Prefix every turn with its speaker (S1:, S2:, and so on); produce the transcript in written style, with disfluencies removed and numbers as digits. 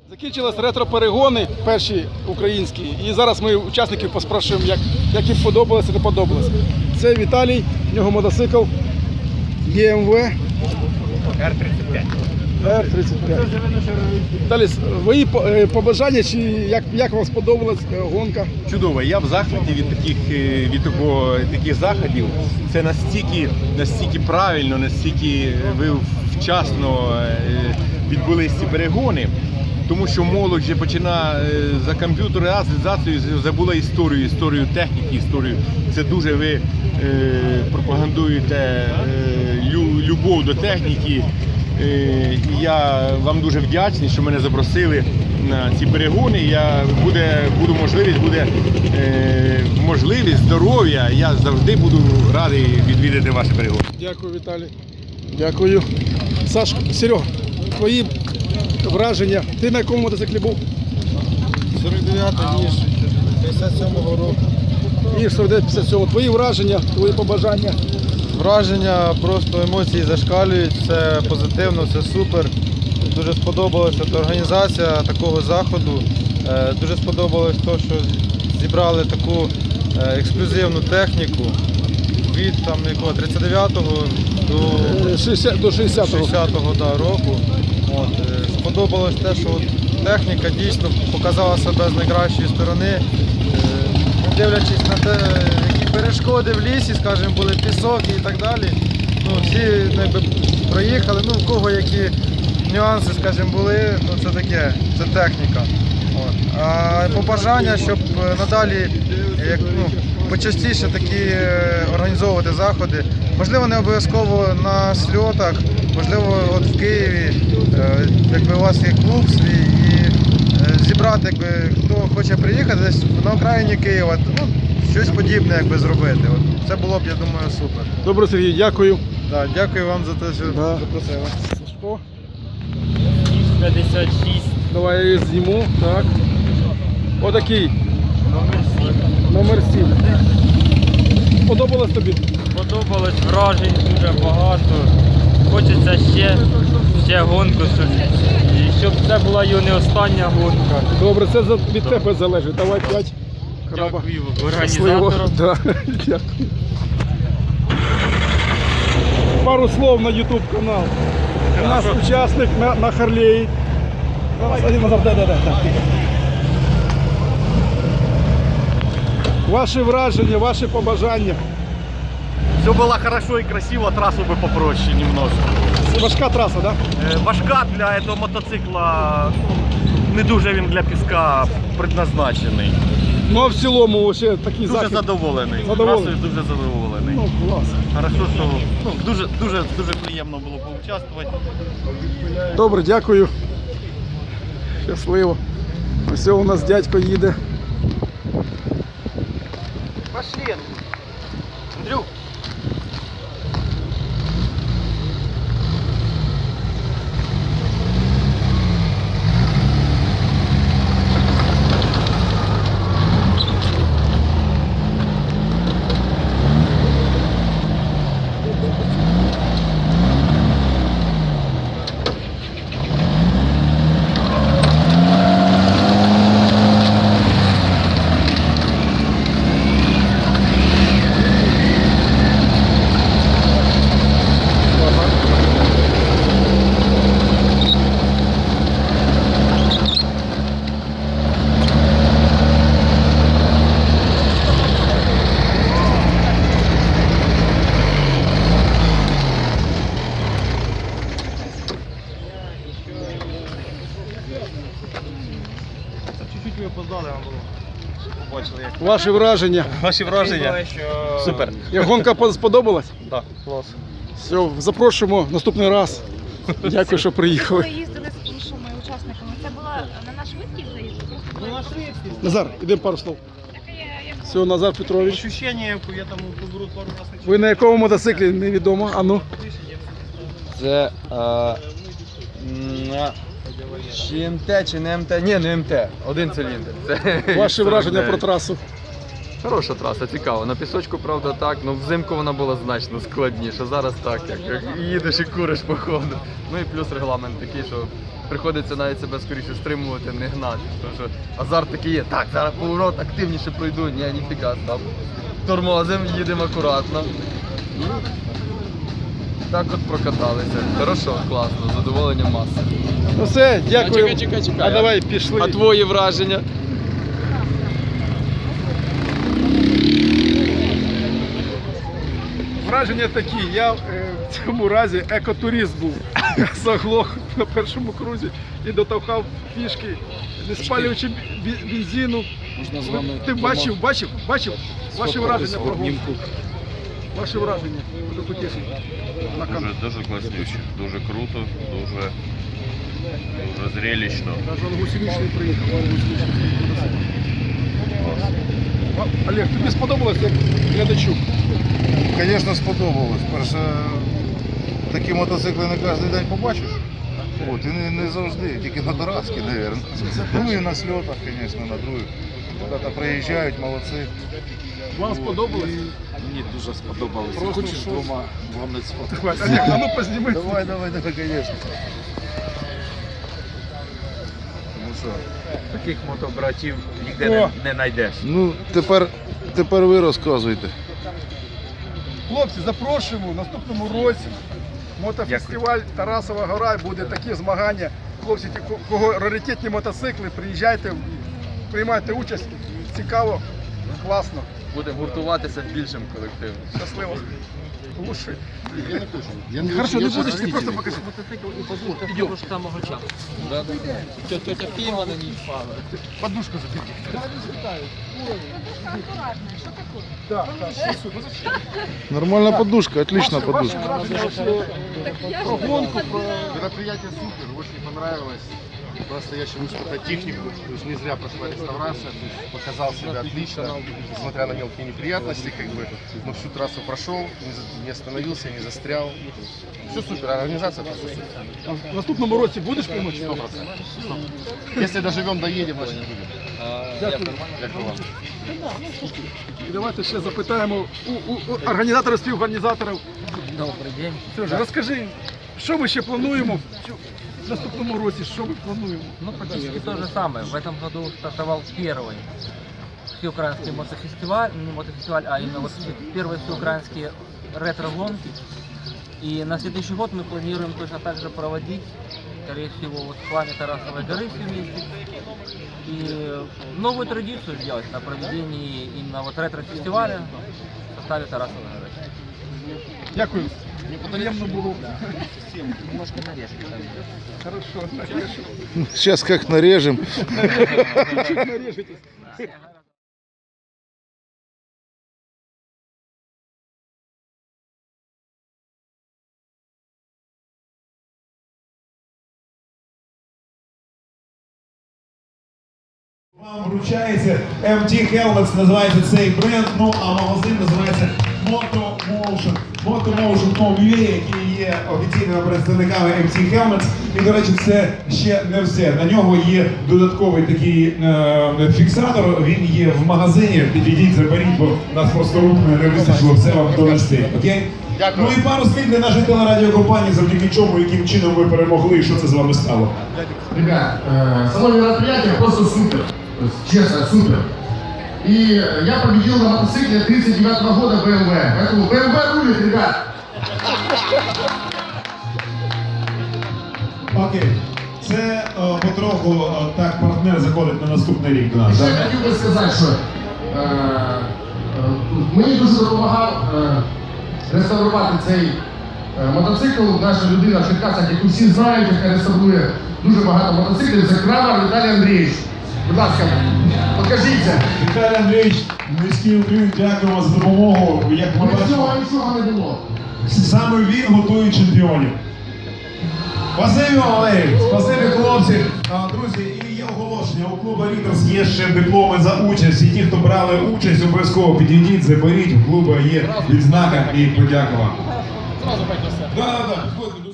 S1: Закінчились ретро-перегони перші українські, і зараз ми учасників поспрашуємо, як їм подобалося, не подобалося. Це Віталій, в нього мотоцикл ЄМВ
S2: Р-35.
S1: Р-35. Віталій, свої побажання, чи як вам сподобалась гонка?
S2: Чудово. Я в захваті від таких заходів. Це настільки правильно, настільки ви вчасно відбулись ці перегони. Тому що молодь вже починає за комп'ютеризацією, забула історію техніки, історію. Це дуже ви пропагандуєте любов до техніки. І я вам дуже вдячний, що мене запросили на ці перегони. Буде можливість, здоров'я. Я завжди буду радий відвідати ваші перегони.
S1: Дякую, Віталій. Дякую. Сашко, Серега, твої враження. Ти на якому мотоциклі був?
S3: 49-й, ніж 57-го року.
S1: Ніж 49-57. Твої враження, твої побажання.
S3: Враження, просто емоції зашкалюють, це позитивно, це супер. Дуже сподобалася організація такого заходу. Дуже сподобалось те, що зібрали таку ексклюзивну техніку від 39-го до 60-го року. Сподобалось те, що техніка дійсно показала себе з найкращої сторони. Дивлячись на те, які перешкоди в лісі, скажімо, були пісок і так далі. Всі проїхали, в кого які нюанси, скажімо, були, це таке, це техніка. А побажання, щоб надалі почастіше такі організовувати заходи. Можливо, не обов'язково на сльотах, можливо, от в Києві, якби у вас є клуб свій, і зібрати, хто хоче приїхати десь на окраїні Києва, щось подібне зробити. Це було б, я думаю, супер.
S1: Добре, Сергій, дякую.
S3: Так, дякую вам за те, що запросили.
S1: Сашко.
S4: 56.
S1: Давай я її зніму. Так. Отакий. Номер 7. Подобалось тобі?
S4: Сподобалось, вражень дуже багато. Хочеться ще гонку, щоб це була і не остання гонка.
S1: Добре, це від тебе залежить. Давай 5. Краба.
S4: Дякую
S1: Щасливо.
S4: організаторам.
S1: Да. Дякую. Пару слов на YouTube канал. У нас учасник на Харлеї. Ваші враження, ваші побажання.
S5: Все было хорошо и красиво, трассу бы попроще немножко.
S1: Важка траса, да?
S5: Важка для этого мотоцикла, не дуже він для піска предназначений.
S1: Ну а в цілому ще такий
S5: Дуже
S1: захід.
S5: задоволений.
S1: Задоволений?
S5: Трасою дуже задоволений.
S1: Ну, клас.
S5: Хорошо, що дуже приємно було поучаствувати.
S1: Добре, дякую. Щасливо. Ось у нас дядько їде.
S5: Пошли, Андрюк.
S3: Чуть-чуть ви опоздали, вам було. Побачили, як.
S1: Ваші враження.
S5: Ваші враження? Супер.
S1: Як гонка сподобалась?
S5: Так, клас.
S1: Все, запрошуємо наступний раз. Дякую, що приїхали.
S6: Ми їздили з іншими учасниками. Це було на наш швидкість заїзд?
S1: Назар, ідемо пару слов. Все, Назар Петрович.
S5: Ощущення, я там беру пару разів.
S1: Ви на якому мотоциклі, невідомо. А ну.
S3: Це чи МТ, чи не МТ? Ні, не МТ. Один циліндр.
S1: Ваші враження про трасу.
S7: Хороша траса, цікава. На пісочку, правда, так, але взимку вона була значно складніша. Зараз так, як їдеш і куриш по ходу. Ну і плюс регламент такий, що приходиться навіть себе скоріше стримувати, не гнати. Тому що азарт такий є. Так, зараз поворот активніше пройду. Ні, ніфіга, там тормозимо, їдемо акуратно. І так от прокаталися. Хорошо, класно, задоволення маса.
S1: Ну все, дякую.
S7: Чекай.
S1: А давай пішли.
S7: А твої враження?
S1: Враження такі, я в цьому разі екотурист був. Я заглох на першому крузі і дотовхав пішки, не спалюючи бензину.
S8: Можна з вами
S1: Ти бачив ваші враження про гонку? Ваші враження про потішні на камеру.
S9: Дуже класнюче, дуже круто, дуже зрелищно.
S1: Навіть он гусеничний приїхав, Олег, тобі сподобалось як глядачу?
S10: Звісно, сподобалось. Перше, такі мотоцикли не кожен день побачиш. От, і не завжди, тільки на Тараски, мабуть. Ну і на сльотах, звісно, на других. Куди-то приїжджають, молодці.
S1: Вам сподобалось?
S8: Мені дуже сподобалося.
S1: Просто
S8: Хочеш
S1: що?
S8: двома вам не сфоткати?
S1: Давай, Олег, а ну позніми.
S10: Давай, звісно. Ну що?
S2: Таких мотобратів ніде не знайдеш.
S10: Ну, тепер ви розказуйте.
S1: Хлопці, запрошуємо в наступному році. Мотофестиваль Тарасова гора, буде такі змагання. Хлопці, ті, кого раритетні мотоцикли, приїжджайте, приймайте участь. Цікаво, класно,
S7: Будемо гуртуватися більшим колективом.
S1: щасливо. Лучше.
S8: Я не
S1: Хорошо, не будеш, ти просто покажи.
S4: Підемо ж самого часу.
S7: Тетя Фіма на ній впала.
S1: Подушку забери. Так,
S10: Нормальна подушка, отлична
S1: Ваши
S10: подушка.
S1: враження вообще про гонку, про...
S8: Мероприятие супер, очень понравилось. Просто я считаю, что это технику, то есть не зря прошла реставрация, то есть показал себя отлично, несмотря на мелкие неприятности, как бы, но всю трассу прошел, не остановился, не застрял. Все супер, организация это все супер.
S1: В наступному році будеш помочь?
S8: 100%. Если доживем, доедем, значит будем.
S1: Дякую.
S8: Дякую вам.
S1: І давайте ще запитаємо у організаторів, співорганізаторів.
S4: Добрий день.
S1: Сережа, розкажи, що ми ще плануємо в наступному році, що ми плануємо?
S4: Ну, практически то же самое. В этом году стартовал первый всеукраинский мотофестиваль, не мотофестиваль, а именно вот первые всеукраинские ретро-гонки. И на следующий год мы планируем точно так же проводить, скорее всего, вот в плане Тарасовой горы все вместе. И новую традицию сделать на проведении именно вот ретро-фестиваля в составе Тарасовой горы.
S1: Дякую. Приємно було.
S4: Немножко нарежем.
S1: Хорошо, нарежем.
S10: Сейчас как нарежем.
S1: Чуть нарежетесь.
S11: Вам вручається MT Helmets, називається цей бренд, ну а магазин називається Motomotion. Motomotion.com.ua, які є офіційними представниками MT Helmets. І, до речі, це ще не все. На нього є додатковий такий фіксатор, він є в магазині. Підійдіть, заберіть, бо нас просто рук не вистачило все вам донести. Окей?
S8: Дякую.
S11: Ну і пару слів для нашої телерадіокомпанії, завдяки чому, яким чином ви перемогли і що це з вами стало.
S12: Ребят, само мероприятие просто супер. То есть, честно, супер. И я победил на мотоцикле 39-го года BMW. Поэтому BMW рулит, ребят.
S11: Окей. Це потроху так партнер заходить на наступний рік до нас.
S12: Ще
S11: Да?
S12: хотів би сказати, що мені дуже допомагав реставрувати цей мотоцикл. Наша людина в Черкасах, яку всі знають, яка реставрує дуже багато мотоциклів. Це Крамар Віталій Андрійович. Будь ласка, покажіться.
S11: Віталій Андрійович, низький уклін, дякуємо за допомогу. Як ми
S12: Без цього
S11: бачимо,
S12: нічого не було.
S11: саме він готує чемпіонів. Спасибі, Валерій, спасибі, хлопці. Друзі, і є оголошення. У клубу Рітерс є ще дипломи за участь. І ті, хто брали участь, обов'язково підійдіть, заберіть. У клубу є відзнака і подяка вам.
S1: Зразу бать на себе.
S11: Да.